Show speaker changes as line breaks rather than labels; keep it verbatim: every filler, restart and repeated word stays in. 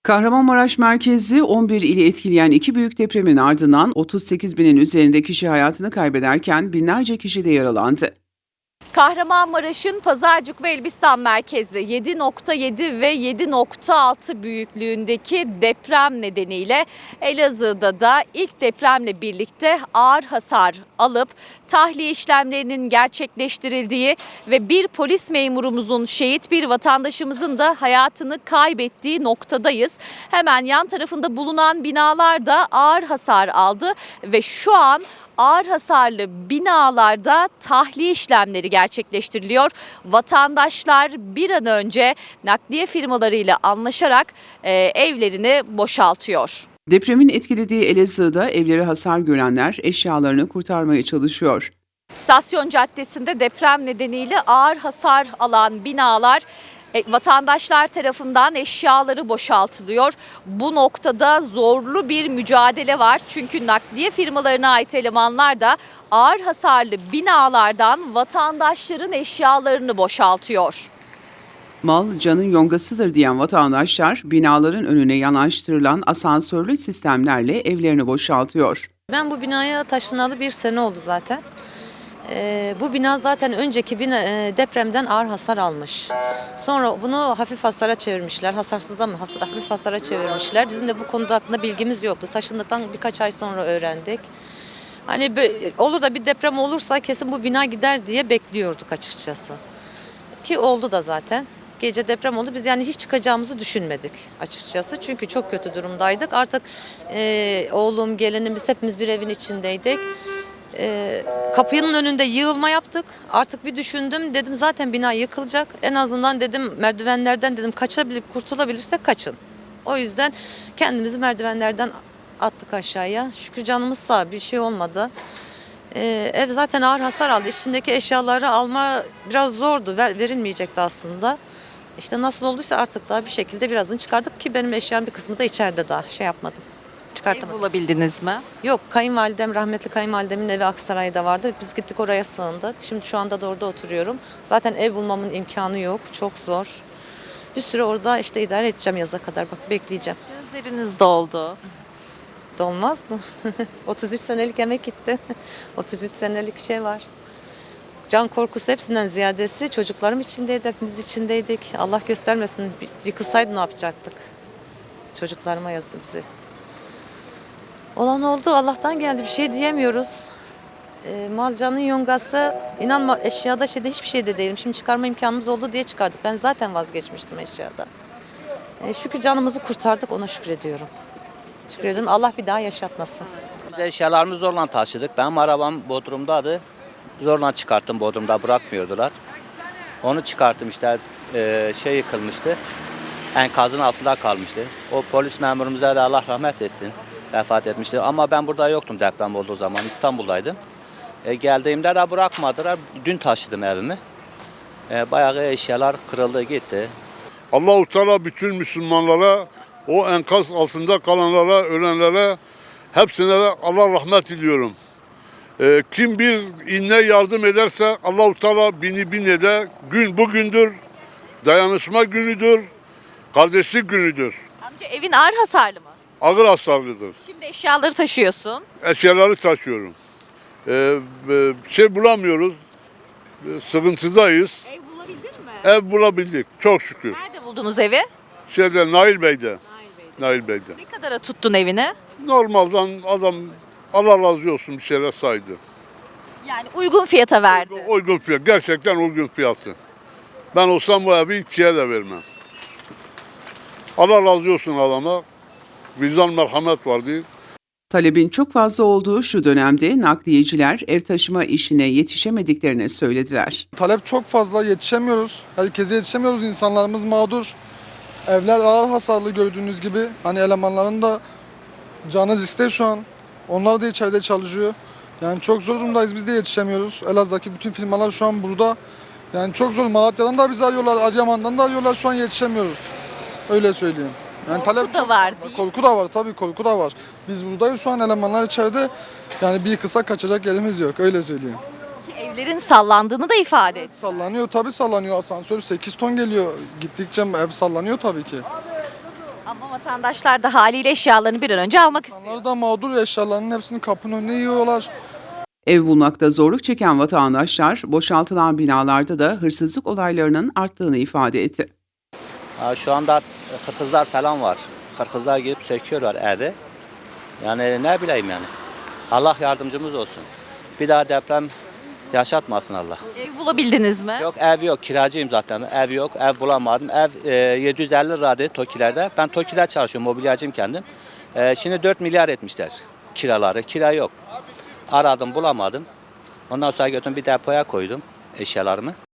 Kahramanmaraş merkezli on bir ili etkileyen iki büyük depremin ardından otuz sekiz binin üzerinde kişi hayatını kaybederken binlerce kişi de yaralandı.
Kahramanmaraş'ın Pazarcık ve Elbistan merkezli yedi nokta yedi ve yedi nokta altı büyüklüğündeki deprem nedeniyle Elazığ'da da ilk depremle birlikte ağır hasar alıp tahliye işlemlerinin gerçekleştirildiği ve bir polis memurumuzun, şehit bir vatandaşımızın da hayatını kaybettiği noktadayız. Hemen yan tarafında bulunan binalar da ağır hasar aldı ve şu an ağır hasarlı binalarda tahliye işlemleri gerçekleştiriliyor. Vatandaşlar bir an önce nakliye firmalarıyla anlaşarak e, evlerini boşaltıyor.
Depremin etkilediği Elazığ'da evleri hasar görenler eşyalarını kurtarmaya çalışıyor.
İstasyon Caddesi'nde deprem nedeniyle ağır hasar alan binalar E, vatandaşlar tarafından eşyaları boşaltılıyor. Bu noktada zorlu bir mücadele var. Çünkü nakliye firmalarına ait elemanlar da ağır hasarlı binalardan vatandaşların eşyalarını boşaltıyor.
Mal canın yongasıdır diyen vatandaşlar binaların önüne yanaştırılan asansörlü sistemlerle evlerini boşaltıyor.
Ben bu binaya taşınalı bir sene oldu zaten. Ee, bu bina zaten önceki bina, e, depremden ağır hasar almış. Sonra bunu hafif hasara çevirmişler. Hasarsızdan mı has, hafif hasara çevirmişler. Bizim de bu konuda hakkında bilgimiz yoktu. Taşındıktan birkaç ay sonra öğrendik. Hani olur da bir deprem olursa kesin bu bina gider diye bekliyorduk açıkçası. Ki oldu da zaten. Gece deprem oldu. Biz yani hiç çıkacağımızı düşünmedik açıkçası. Çünkü çok kötü durumdaydık. Artık e, oğlum, gelinimiz hepimiz bir evin içindeydik. E, kapının önünde yığılma yaptık. Artık bir düşündüm. Dedim zaten bina yıkılacak. En azından dedim merdivenlerden dedim kaçabilip kurtulabilirsek kaçın. O yüzden kendimizi merdivenlerden attık aşağıya. Şükür canımız sağ, bir şey olmadı. Ee, ev zaten ağır hasar aldı. İçindeki eşyaları alma biraz zordu. Ver, verilmeyecekti aslında. İşte nasıl olduysa artık daha bir şekilde birazını çıkardık ki benim eşyam bir kısmı da içeride daha şey yapmadım.
Ev
Çıkartamadım.
bulabildiniz mi?
Yok, kayınvalidem, rahmetli kayınvalidemin evi Aksaray'da vardı. Biz gittik oraya sığındık. Şimdi şu anda da orada oturuyorum. Zaten ev bulmamın imkanı yok. Çok zor. Bir süre orada işte idare edeceğim yaza kadar. Bak bekleyeceğim.
Gözleriniz doldu.
Dolmaz mı? otuz üç senelik emek gitti. otuz üç senelik şey var. Can korkusu hepsinden ziyadesi çocuklarım içindeydi, hepimiz içindeydik. Allah göstermesin, yıkılsaydı ne yapacaktık? Çocuklarıma yazın bizi. Olan oldu, Allah'tan geldi, bir şey diyemiyoruz. E, mal canın yongası, inanma eşyada şeyde hiçbir şeyde değilim. Şimdi çıkarma imkanımız oldu diye çıkardık. Ben zaten vazgeçmiştim eşyada. E, şükür canımızı kurtardık, ona şükrediyorum. Şükrediyorum, Allah bir daha yaşatmasın.
Biz eşyalarımızı zorla taşıdık. Benim arabam Bodrum'daydı. Zorla çıkarttım, Bodrum'da bırakmıyordular. Onu çıkarttım işte, e, şey yıkılmıştı. Enkazın altında kalmıştı. O polis memurumuza da Allah rahmet etsin. Vefat etmişti. Ama ben burada yoktum deprem olduğu zaman. İstanbul'daydım. E, geldiğimde de bırakmadılar. Dün taşıdım evimi. E, bayağı eşyalar kırıldı gitti.
Allah-u Teala bütün Müslümanlara, o enkaz altında kalanlara, ölenlere hepsine de Allah rahmet diliyorum. Ee, kim bir inne yardım ederse Allah-u Teala bini bin eder. Gün bugündür, dayanışma günüdür, kardeşlik günüdür.
Amca evin ağır hasarlı mı?
Ağır hasarlıdır.
Şimdi eşyaları taşıyorsun.
Eşyaları taşıyorum. Ee, e, şey bulamıyoruz, e, sıkıntıdayız.
Ev bulabildin mi?
Ev bulabildik, çok şükür.
Nerede buldunuz evi?
Şeyde, Nail Bey'de.
Nail Bey'de.
Nail Bey'de.
Ne kadara tuttun evini?
Normalden adam Allah razı olsun bir şeyler saydı.
Yani uygun fiyata verdi.
Uygun fiyat, gerçekten uygun fiyatı. Ben olsam bu evi ikiye de vermem. Allah razı olsun adama. Vicdan merhamet vardı.
Talebin çok fazla olduğu şu dönemde nakliyeciler ev taşıma işine yetişemediklerini söylediler.
Talep çok fazla, yetişemiyoruz. Herkese yetişemiyoruz, insanlarımız mağdur. Evler ağır hasarlı gördüğünüz gibi. Hani elemanların da canı riskte şu an. Onlar da içeride çalışıyor. Yani çok zor durumdayız, biz de yetişemiyoruz. Elazığ'daki bütün firmalar şu an burada. Yani çok zor. Malatya'dan da bizi arıyorlar, Adıyaman'dan da arıyorlar. Şu an yetişemiyoruz. Öyle söyleyeyim. Yani
Korku
talep
da
çok
var
fazla.
değil.
Korku da var tabii, korku da var. Biz buradayız şu an, elemanlar içeride. Yani bir kısa kaçacak yerimiz yok, öyle söyleyeyim.
Ki evlerin sallandığını da ifade etti.
Sallanıyor tabii, sallanıyor. Asansör sekiz ton geliyor. Gittikçe ev sallanıyor tabii ki.
Ama vatandaşlar da haliyle eşyalarını bir an önce almak istiyor.
İnsanlar da mağdur, eşyalarının hepsini kapının önüne yığıyorlar.
Ev bulmakta zorluk çeken vatandaşlar boşaltılan binalarda da hırsızlık olaylarının arttığını ifade etti.
Ha, şu anda hırsızlar falan var. Hırsızlar gelip söküyorlar evi. Yani ne bileyim yani. Allah yardımcımız olsun. Bir daha deprem yaşatmasın Allah.
Ev bulabildiniz mi?
Yok ev yok, kiracıyım zaten. Ev yok, ev bulamadım. Ev e, yedi yüz elli liraydı TOKİ'lerde. Ben TOKİ'de çalışıyorum, mobilyacıyım kendim. E, şimdi dört milyar etmişler kiraları. Kira yok. Aradım, bulamadım. Ondan sonra götürdüm bir depoya koydum eşyalarımı.